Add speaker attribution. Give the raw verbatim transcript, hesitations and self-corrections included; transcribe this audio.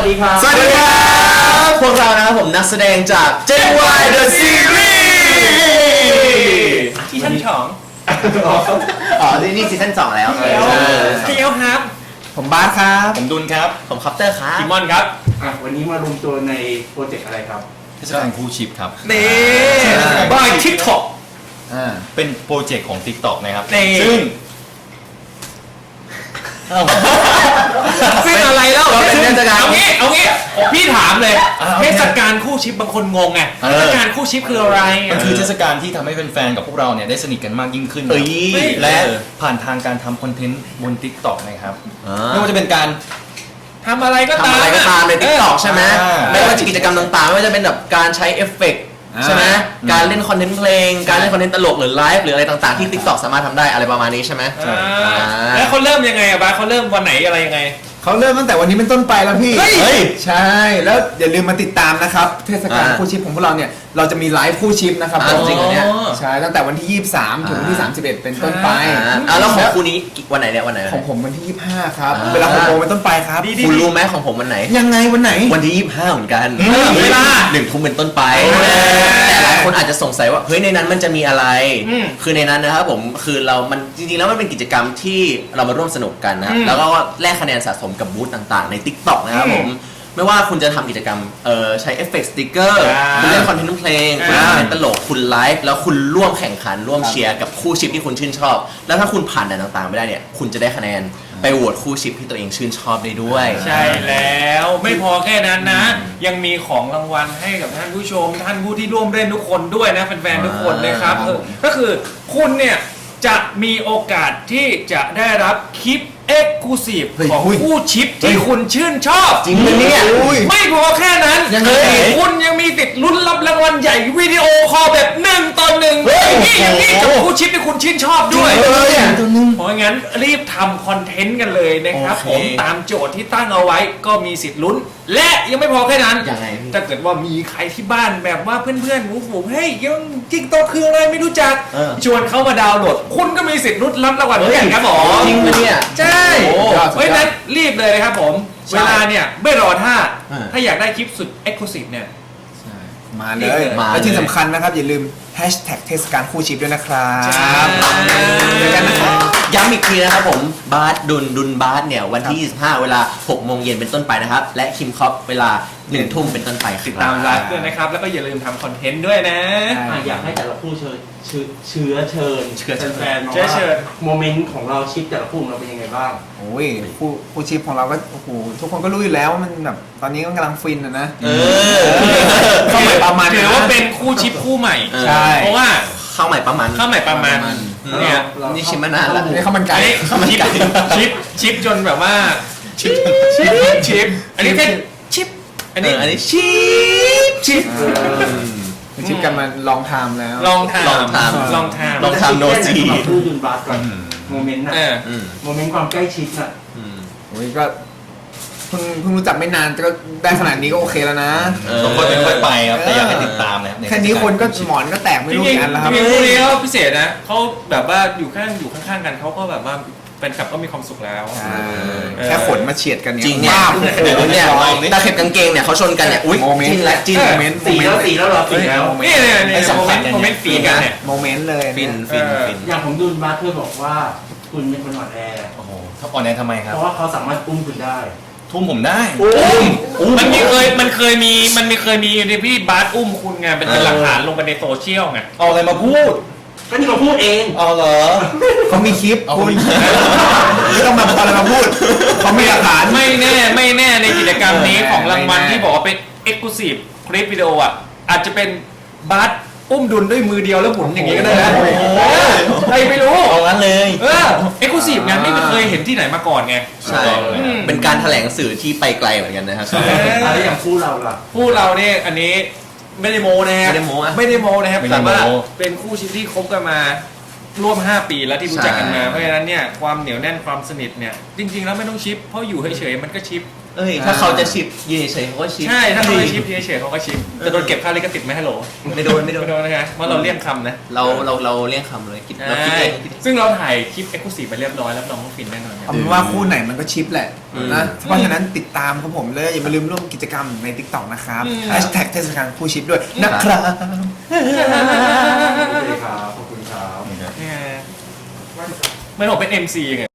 Speaker 1: ดีครับ
Speaker 2: สวัสดีครับพวกเรานะครับผมนักแสดงจาก เจ วาย The Series
Speaker 3: ที่ชั้นสอง
Speaker 2: อ๋อนี่นี่ซีซั่นสองแล้ว
Speaker 3: เกียวครับ
Speaker 2: ผมบาสครับ
Speaker 4: ผมดุลครับ
Speaker 2: ผมคัปเตอร์ครับ
Speaker 3: คิมอนครับ
Speaker 1: อ่ะวันนี้มารวมตัวในโปรเจกต์อะไรครับ
Speaker 4: เทศกาลคู่ชิปครับ
Speaker 3: นี่
Speaker 2: บายทิกท็อก
Speaker 4: เป็นโปรเจกต์ของ TikTok นะครับ
Speaker 3: นี่
Speaker 4: ซึ่ง
Speaker 3: ซึ่งอะไรแล้ว
Speaker 2: เราเป็นเทศกาล
Speaker 3: เอางี้เอางี้พี่ถามเลยเทศกาลคู่ชิปบางคนงงไงเทศกาลคู่ชิปคืออะไร
Speaker 4: มันคือเทศกาลที่ทำให้แฟนๆกับพวกเราเนี่ยได้สนิทกันมากยิ่งขึ้น
Speaker 2: เอ้ย
Speaker 4: และผ่านทางการทำคอนเทนต์บน TikTok นะครับ
Speaker 2: อ่า
Speaker 4: ไม่ว่าจะเป็นการ
Speaker 3: ทำอะไรก็
Speaker 2: ทำ
Speaker 3: ตาม
Speaker 2: อะไรก็ตามใน
Speaker 3: เอ
Speaker 2: ทิก
Speaker 3: อ
Speaker 2: ตอกใช่ไหม
Speaker 4: อ่า
Speaker 2: ไม่ว่าจะกิจกรรมต่างๆไม่ว่าจะเป็นแบบการใช้เอฟเฟกต์ใช่ไหม
Speaker 4: อืม
Speaker 2: การเล่นคอนเทนต์เพลง การเล่นคอนเทนต์ตลกหรือไลฟ์หรืออะไรต่างๆที่ TikTok สามารถทำได้อะไรประมาณนี้ใช่ไหม
Speaker 3: อ่า
Speaker 2: อ่า
Speaker 3: แล้วเขาเริ่มยังไงอะบ้าสเขาเริ่มวันไหนอะไรยังไง
Speaker 5: เขาเริ่มตั้งแต่วันนี้เป็นต้นไปแล้วพี่
Speaker 2: เฮ้ย
Speaker 5: ใช่ แล้วอย่าลืมมาติดตามนะครับ เทศกาล
Speaker 2: อ่า
Speaker 5: คู่ชิปของพวกเราเนี่ย เราจะมีไลฟ์คู่ชิปนะครับ
Speaker 2: อ่าจริงเหรอเนี่ย
Speaker 5: ใช่ ตั้งแต่วันที่ ยี่สิบสาม ถึงวันที่
Speaker 2: อ่า
Speaker 5: สามสิบเอ็ด เป็นต้นไป
Speaker 2: อ่าอ่าแล้วของคู่นี้วันไหนเนี่ยวันไหน
Speaker 5: ของผมวันที่ ยี่สิบห้า ครับ
Speaker 2: อ่า
Speaker 5: เวลาหกโมงเป็นต้นไปครับ
Speaker 3: ดี
Speaker 2: คุณรู้ไหมของผมวันไหน
Speaker 5: ยังไงวันไหน
Speaker 2: วันที่ยี่สิบห้าเหมือนกัน
Speaker 3: เวลา
Speaker 2: หนึ่งทุ่มเป็นต้นไป
Speaker 3: เออ
Speaker 2: แต่หลายคนอาจจะสงสัยว่าเฮ้ยในนั้นมันจะมีอะไร
Speaker 3: อืม
Speaker 2: คือในนั้นนะครับผมคือเรามันจริงๆแล้วมันเป็นกิจกรรมที่เรามาร่วมสนุกกันนะครับ
Speaker 3: อืม
Speaker 2: แล้วก็แลกคะแนนสะสมกับบูธต่างๆใน TikTok นะครับ
Speaker 3: อืม
Speaker 2: ผมไม่ว่าคุณจะทำกิจกรรมเอ่อใช้เอฟเฟกต์สติกเกอร์
Speaker 3: อ่า
Speaker 2: คุณเล่นคอนเทนต์เพลงคุณ
Speaker 3: อ่า
Speaker 2: เล่นคอนเทนต์ตลกคุณไลฟ์แล้วคุณร่วมแข่งขันร่วมเชียร์กับคู่ชิปที่คุณชื่นชอบ แล้วถ้าคุณผ่านด่านต่างๆไม่ได้เนี่ยคุณจะได้คะแนนไปโหวตคู่ชิปที่ตัวเองชื่นชอบได้ด้วย
Speaker 3: ใช่แล้วไม่พอแค่นั้นนะ ยังมีของรางวัลให้กับท่านผู้ชม ท่านผู้ที่ร่วมเล่นทุกคนด้วยนะแฟนๆทุกคนนะครับ
Speaker 2: อ่า
Speaker 3: เออก็คือคุณเนี่ยจะมีโอกาสที่จะได้รับคลิปเอ็กซ์คลูซีฟ
Speaker 5: เฮ้ย
Speaker 3: ของ
Speaker 5: อุ้ย
Speaker 3: คู่ชิปที่คุณชื่นชอบ
Speaker 2: จริงไหมเนี่ย
Speaker 5: อุ้ย
Speaker 3: ไม่พอแค่นั้น
Speaker 2: ยังไง
Speaker 3: คุณยังมีติดลุ้นรับรางวัลใหญ่วิดีโอคอลแบบหนึ่งต่อหนึ่ง
Speaker 2: เฮ้ย
Speaker 3: นี่อย่างนี้กับคู่ชิปที่คุณชื่นชอบด้วย
Speaker 5: จริงเลยอะ
Speaker 3: เพราะงั้นรีบทำคอนเทนต์กันเลยนะครับ
Speaker 2: โอเค
Speaker 3: ผมตามโจทย์ที่ตั้งเอาไว้ก็มีสิทธิ์ลุ้น และยังไม่พอแค่นั้น
Speaker 2: ยังไงพี่
Speaker 3: ถ้าเกิดว่ามีใครที่บ้านแบบว่าเพื่อนๆหมูฝูงเฮ้ยยังติ๊กต็อกคืออะไรไม่รู้จัก
Speaker 2: เออ
Speaker 3: ชวนเขามาดาวน์โหลด คุณก็มีสิทธิ์ลุ้นรับรางวัลเหมือนกันครับผม
Speaker 2: จริงปะเนี่ย
Speaker 3: ใช่
Speaker 2: โอ้
Speaker 3: เพราะฉะนั้นรีบเลยนะครับผม
Speaker 2: ใช่
Speaker 3: เวลาเนี่ยไม่รอท่า
Speaker 2: อ่า
Speaker 3: ถ้าอยากได้คลิปสุดเอ็กซ์คลูซีฟเนี่ย
Speaker 5: มาเลย
Speaker 2: มาเลย
Speaker 5: และที่สำคัญนะครับ อย่าลืมแฮชแท็กเทศกาลคู่ชิปด้วยนะครับ
Speaker 3: ใช่
Speaker 5: เจอกันนะครับ
Speaker 2: ย้ำอีกทีนะครับผมบาสดุลดุลบาสเนี่ยวันที่ ยี่สิบห้า เวลา หกโมงเย็นเป็นต้นไปนะครับ และคิมคอปเวลา หนึ่งทุ่มเป็นต้นไปครับ
Speaker 3: ติดตามไลฟ์ด้วยนะครับ แล้วก็อย่าลืมทำคอนเทนต์ด้วยนะ
Speaker 5: ใช่
Speaker 1: อ่ะอยากให้แต่ละคู่เชิญเชื้อเชื้อเชิญ
Speaker 2: เชื้อเชิญ
Speaker 1: แฟนๆมา
Speaker 3: เชื้อ
Speaker 1: ว่า
Speaker 3: เชิญ
Speaker 1: โมเมนต์ของเราชิปแต่ละคู่ของเราเป็นยังไงบ้าง
Speaker 5: โอ้ยคู่คู่ชิปของเราก็โอ้โหทุกคนก็รู้อยู่แล้วว่ามันแบบตอนนี้ก็กำลังฟินอะนะ
Speaker 2: เออ
Speaker 5: เข้าใหม่ประมาณ
Speaker 3: ถือว่าเป็นคู่ชิปคู่ใหม่
Speaker 5: ใช่
Speaker 3: เพราะว่า
Speaker 2: ข้าวใหม่ประมาณ
Speaker 3: ข้าวใหม่ประมาณเนี่ย
Speaker 1: เรา
Speaker 2: นี่ชิมมานานแล้ว
Speaker 5: นี่ข้าวมันไก่
Speaker 3: อันนี้
Speaker 2: ข้าวมัน
Speaker 3: ชิป
Speaker 2: ไก่
Speaker 3: ชิปชิปจนแบบว่าชิปชิปชิปอันนี้แค่ชิปอันนี้
Speaker 2: เอออันนี้ชิป
Speaker 3: ชิป
Speaker 5: คือชิปกันมาลองไทม์แล้ว
Speaker 3: ลองทำ
Speaker 2: ลองทำ
Speaker 3: ลองทำ
Speaker 2: ลองทำโนซี
Speaker 1: เราพูดดุนบาสก่อนโมเมนต์น่ะ
Speaker 3: เออ
Speaker 2: อืม
Speaker 1: โมเมนต์ความใกล้ชิดน่ะ
Speaker 2: อืม
Speaker 5: โอ้ยก็เพิ่งเพิ่งรู้จักไม่นานก็ได้ขนาดนี้ก็โอเคแล้วนะ
Speaker 2: เออ
Speaker 4: ต้องค่อยเป็นค่อยไปครับ แต่อยากให้ติดตามนะครับ
Speaker 5: แค่นี้คนก็หมอนก็แตกไม่
Speaker 3: จ
Speaker 5: รู้
Speaker 3: ริง
Speaker 5: กี่อันแล้วครับ
Speaker 3: ๆจริงๆคู่นี้เขาพิเศษนะเขาแบบว่าอยู่ข้างอยู่ข้างๆกันเขาก็แบบว่าแฟนคลับก็มีความสุขแล้ว
Speaker 5: ใช่แค่ขนมาเฉียดกันเนี่ย
Speaker 2: จริงเนี่ย
Speaker 5: ว้าว
Speaker 2: โอ้โหเนี่ยตาเข็บกางเกงเนี่ยเขาชนกันเนี่ยอุ้ย
Speaker 5: โมเมนต์
Speaker 2: จิ้นและจิ้น
Speaker 5: โมเมนต์
Speaker 1: สีแล้วสีแล้วเหรอสีแล้ว
Speaker 3: นี่เนี่ยเนี่ย
Speaker 2: ไอ้สำคัญ
Speaker 3: โมเมนต์ฝีกันเนี่ย
Speaker 5: โมเมนต์เลย
Speaker 2: ฟิน
Speaker 5: เนี่ย
Speaker 2: ฟิน
Speaker 3: เออ
Speaker 2: ฟิน
Speaker 1: อย่างของดุนบาสเธอบอกว่าคุณเป็นคนอ่อนแอ
Speaker 4: โอ้โหถ้าอ่อนแอทำไมครับ
Speaker 1: เพราะว่าเขาสามารถอุ้มคุณได้
Speaker 4: ทุ่มผมได้
Speaker 3: มันมีเคยมันเคยมีมันมีเคยมีในพี่บาสอุ้มคุณไงเป็นหลักฐานลงไปในโซเชียลไง
Speaker 4: เอาอะไรมาพูด
Speaker 1: ก็นี่เขาพูดเอง
Speaker 4: เอาเหรอ
Speaker 5: เขามีคลิป
Speaker 4: เอา
Speaker 5: คุณ
Speaker 4: มีคลิป
Speaker 5: ไม่ต้องมาเอาอะไรมาพูดเขามีหลักฐาน
Speaker 3: ไม่แน่ไม่แน่ในกิจกรรมนี้
Speaker 5: เออ
Speaker 3: ของรางวัล
Speaker 5: ไม่แน่
Speaker 3: ที่บอกว่าเป็น Exclusive คลิปวิดีโออ่ะอาจจะเป็นบาสอุ้มดุลด้วยมือเดียวแล้วหมุนอย่างนี้ก็ได้นะ
Speaker 4: โอ้โห
Speaker 3: ใครไม่รู้
Speaker 4: เอางั้นเลย
Speaker 3: เออ Exclusive งานไม่เคยเห็นที่ไหนมาก่อนไง
Speaker 2: ใช่
Speaker 3: อืม
Speaker 2: เป็นการแถลงสื่อที่ไปไกลเหมือนกันนะครับ
Speaker 3: เออ
Speaker 1: แล้วอย่างคู่เราล่ะ
Speaker 3: คู่เราเนี่ยอันนี้ไม่ได้โมนะครับ
Speaker 2: ไม่ได้โม้อะ
Speaker 3: ไม่ได้โมนะครับ
Speaker 4: ไม่ได้
Speaker 3: แต่
Speaker 4: โม้
Speaker 3: ว่าเป็นคู่ชิปที่คบกันมาร่วมห้าปีแล้วที่รู้จักกันมา
Speaker 2: ใช่
Speaker 3: เพราะฉะนั้นเนี่ยความเหนียวแน่นความสนิทเนี่ยจริงๆแล้วไม่ต้องชิปเพราะอยู่เฉยๆมันก็ชิป
Speaker 2: เอ้ยถ้าเขาจะชิปยืนเฉยๆเขาก็ชิป
Speaker 3: ใช่ถ้าเขาไม่ชิปเฉยๆเขาก็ชิปจะโดนเก็บค่าลิขสิทธิ์ไหมฮัลโหล
Speaker 2: ไม่โดนไม่โดน
Speaker 3: ไม่โดนนะฮะเพราะเราเลี่ยงคำนะ
Speaker 2: เราเราเราเรียกคำเลยคิดเราคิดเองคิดเอง
Speaker 3: ซึ่งเราถ่ายคลิปเอ็กซ์คลูซีฟไปเรียบร้อยแล้วน้องฟินแน่นอนครับ
Speaker 5: เอาเป็นว่าคู่ไหนมันก็ชิปแหละ
Speaker 2: อืม
Speaker 5: นะเพราะฉะนั้นติดตามครับผมเลยอย่ามาลืมร่วมกิจกรรมใน ติ๊กต็อก นะครับ
Speaker 3: อืม
Speaker 5: แฮชแท็กเทศกาลคู่ชิปด้วยนะครับ
Speaker 1: โอเคครับ ขอบคุณครับ
Speaker 3: เนี่ยไม่ผมเป็น เอ็ม ซี ไง